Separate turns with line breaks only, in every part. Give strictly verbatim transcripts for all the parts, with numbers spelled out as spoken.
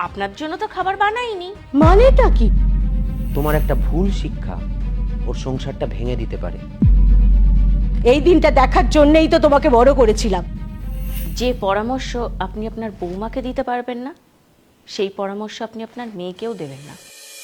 আপনার জন্য তো খাবার বানাইনি।
মানেটা কি?
তোমার একটা ভুল শিক্ষা ওর সংসারটা ভেঙে দিতে পারে।
এই দিনটা দেখার জন্যই তো তোমাকে বড় করেছিলাম।
যে পরামর্শ আপনি আপনার বৌমাকে দিতে পারবেন না, সেই পরামর্শ আপনি আপনার মেয়েকেও দেবেন না।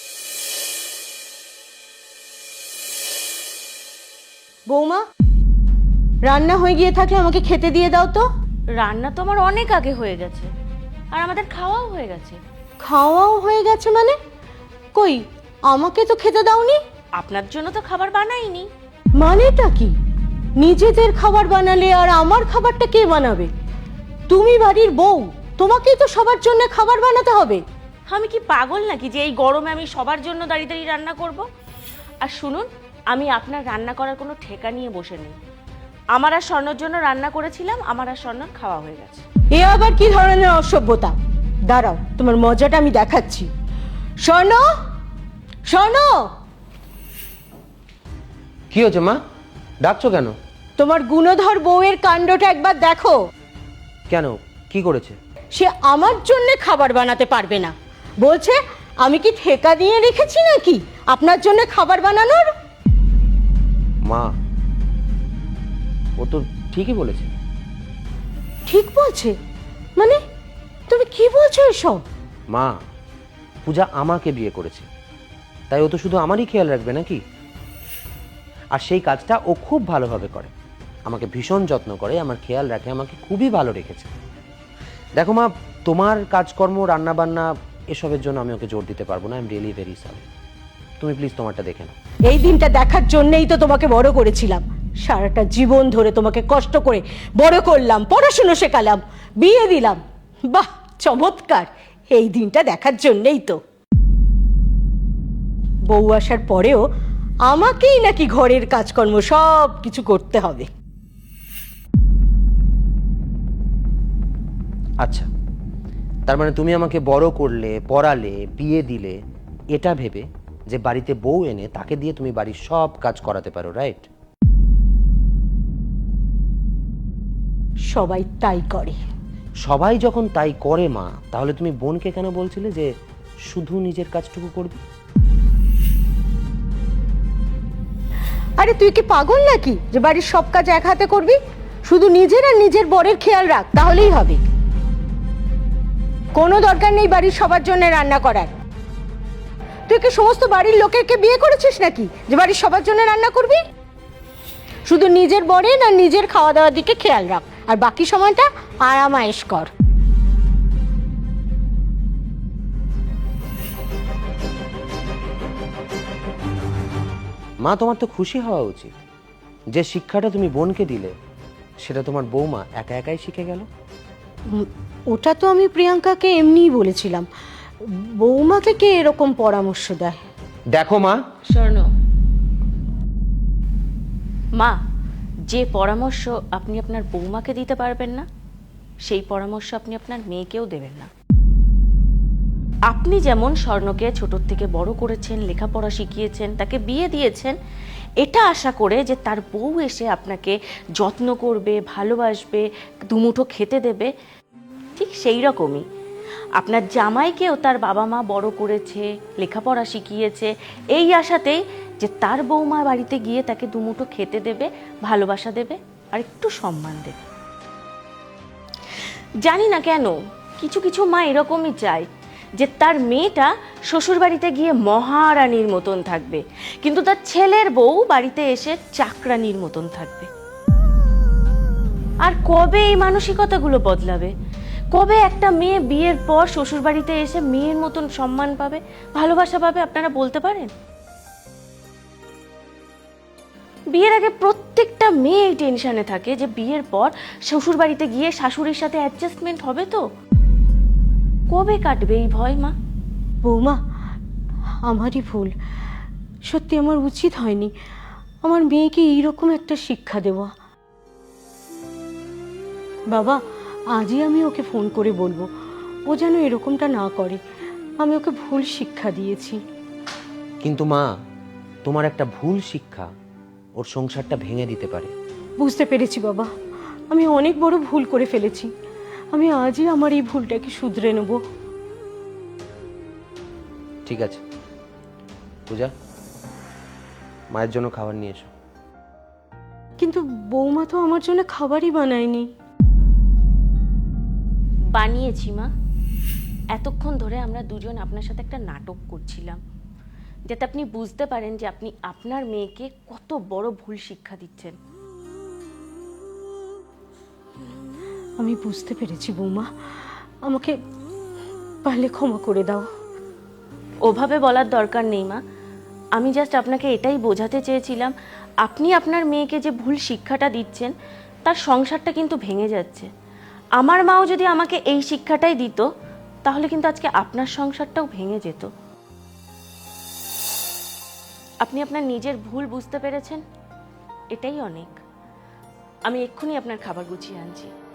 বৌমা, রান্না হয়ে গিয়ে থাকলে আমাকে খেতে দিয়ে দাও তো।
রান্না তো আমার অনেক আগে হয়ে গেছে, আর আমাদের খাওয়াও হয়ে গেছে।
খাওয়াও হয়ে গেছে মানে? কই, আমাকে তো খেতে দাওনি।
আপনার জন্য তো খাবার বানাইনি।
মানেটা কি? নিজেদের খাবার বানালে আর আমার খাবারটা কে বানাবে? তুমি বাড়ির বউ, তোমাকেই তো সবার জন্য খাবার বানাতে হবে।
আমি কি পাগল নাকি যে এই গরমে আমি সবার জন্য দাঁড়িয়ে দাঁড়িয়ে রান্না করব? আর শুনুন, আমি আপনার রান্না করার কোনো ঠেকা নিয়ে বসে নেই। আমার আর স্বর্ণর জন্য রান্না করেছিলাম, আমার আর স্বর্ণর খাওয়া হয়ে গেছে।
এ আবার কি ধরনের অসভ্যতা? দাঁড়াও, তোমার মজাটা আমি দেখাচ্ছি। স্বর্ণ, স্বর্ণ,
কি হয়েছে মা, ডাকছো কেন?
তোমার গুণধর বউয়ের কাণ্ডটা একবার দেখো।
কেন, কি করেছে?
সে আমার জন্য খাবার বানাতে পারবে না, বলছে আমি কি ঠেকা দিয়ে রেখেছি নাকি আপনার জন্য খাবার বানানোর?
মা, ও তো ঠিকই বলেছে।
ঠিক বলছে মানে? তুমি কি বলছো এসব?
মা, পূজা আমাকে বিয়ে করেছে, তাই ও তো শুধু আমারই খেয়াল রাখবে নাকি? আর সেই কাজটা ও খুব ভালোভাবে করে, আমাকে ভীষণ যত্ন করে, আমার খেয়াল রাখে, আমাকে খুবই ভালো রেখেছে। দেখো মা, তোমার কাজকর্ম, রান্না বান্না এসবের জন্য আমি ওকে জোর দিতে পারবো না। I am really very sorry. তুমি প্লিজ তোমারটা দেখে নাও।
এই দিনটা দেখার জন্যই তো তোমাকে বড় করেছিলাম। সারাটা জীবন ধরে তোমাকে কষ্ট করে বড় করলাম, পড়াশুনো শেখালাম, বিয়ে দিলাম। বাহ, চমৎকার! এই দিনটা দেখার জন্যই তো। বউ আসার পরেও আমাকেই নাকি ঘরের কাজকর্ম সব কিছু করতে হবে।
আচ্ছা, তার মানে তুমি আমাকে বড় করলে, পড়ালে, বিয়ে দিলে, এটা ভেবে যে বাড়িতে বউ এনে তাকে দিয়ে তুমি বাড়ির সব কাজ করাতে পারো, রাইট?
সবাই তাই করে।
সবাই যখন তাই করে মা, তাহলে তুমি বোনকে কেন বলছিলে যে শুধু নিজের কাজটুকু করবে?
আরে তুই কি পাগল নাকি যে বাড়ির সব কাজ এক হাতে করবি? শুধু নিজের আর নিজের বরের খেয়াল রাখ, তাহলেই হবে। কোনো দরকার নেই বাড়ির সবার জন্য রান্না করার। তুই কি সমস্ত বাড়ির লোকেরকে বিয়ে করেছিস নাকি যে বাড়ির সবার জন্য রান্না করবি? শুধু নিজের বরের আর নিজের খাওয়া দাওয়ার দিকে খেয়াল রাখ, আর বাকি সময়টা আরামায়েশ কর।
মা, তোমার তো খুশি হওয়া উচিত। যে শিক্ষাটা তুমি বোনকে দিলে, সেটা তোমার বৌমা একা একাই শিখে গেল।
উম, ওটা তো আমি প্রিয়াঙ্কাকে এমনিই বলেছিলাম। বৌমাকে কে এরকম পরামর্শ দেয়?
দেখো মা,
স্বর্ণ মা, যে পরামর্শ আপনি আপনার বৌমাকে দিতে পারবেন না, সেই পরামর্শ আপনি আপনার মেয়েকেও দেবেন না। আপনি যেমন স্বর্ণকে ছোটোর থেকে বড় করেছেন, লেখাপড়া শিখিয়েছেন, তাকে বিয়ে দিয়েছেন, এটা আশা করে যে তার বউ এসে আপনাকে যত্ন করবে, ভালোবাসবে, দুমুঠো খেতে দেবে, ঠিক সেই রকমই আপনার জামাইকেও তার বাবা মা বড় করেছে, লেখাপড়া শিখিয়েছে, এই আশাতেই যে তার বৌমা বাড়িতে গিয়ে তাকে দুমুঠো খেতে দেবে, ভালোবাসা দেবে, আর একটু সম্মান দেবে। জানি না কেন কিছু কিছু মা এরকমই চায় যে তার মেয়েটা শ্বশুর বাড়িতে গিয়ে মহারানীর মতন থাকবে, কিন্তু তার ছেলের বউ বাড়িতে এসে চাকরানির মতন থাকবে। আর কবে এই মানসিকতাগুলো বদলাবে? কবে একটা মেয়ে বিয়ের পর শ্বশুর বাড়িতে এসে মেয়ের মতন সম্মান পাবে, ভালোবাসা পাবে? আপনারা বলতে পারেন? বিয়ের আগে প্রত্যেকটা মেয়ে এই টেনশনে থাকে যে বিয়ের পর শ্বশুর বাড়িতে গিয়ে শাশুড়ির সাথে অ্যাডজাস্টমেন্ট হবে তো। কবে কাটবে এই ভয় মা?
বৌমা, আমারই ভুল। সত্যি আমার উচিত হয়নি আমার মেয়েকে এইরকম একটা শিক্ষা দেওয়া। বাবা, আজই আমি ওকে ফোন করে বলবো ও যেন এরকমটা না করে। আমি ওকে ভুল শিক্ষা দিয়েছি।
কিন্তু মা, তোমার একটা ভুল শিক্ষা ওর সংসারটা ভেঙে দিতে পারে।
বুঝতে পেরেছি বাবা, আমি অনেক বড় ভুল করে ফেলেছি। আমি আজই আমার এই ভুলটাকে শুধরে নেব।
ঠিক আছে পূজা, মায়ের জন্য খাবার নিয়ে এসো।
কিন্তু বৌমা তো আমার জন্য খাবারই বানায়নি।
বানিয়েছি মা। এতক্ষণ ধরে আমরা দুজন আপনার সাথে একটা নাটক করছিলাম, যাতে আপনি বুঝতে পারেন যে আপনি আপনার মেয়েকে কত বড় ভুল শিক্ষা দিচ্ছেন।
আমি বুঝতে পেরেছি বৌমা, আমাকে পারলে ক্ষমা করে দাও।
ওভাবে বলার দরকার নেই মা। আমি জাস্ট আপনাকে এটাই বোঝাতে চেয়েছিলাম, আপনি আপনার মেয়েকে যে ভুল শিক্ষাটা দিচ্ছেন তার সংসারটা কিন্তু ভেঙে যাচ্ছে। আমার মাও যদি আমাকে এই শিক্ষাটাই দিত, তাহলে কিন্তু আজকে আপনার সংসারটাও ভেঙে যেত। আপনি আপনার নিজের ভুল বুঝতে পেরেছেন, এটাই অনেক। আমি এক্ষুনি আপনার খাবার গুছিয়ে আনছি।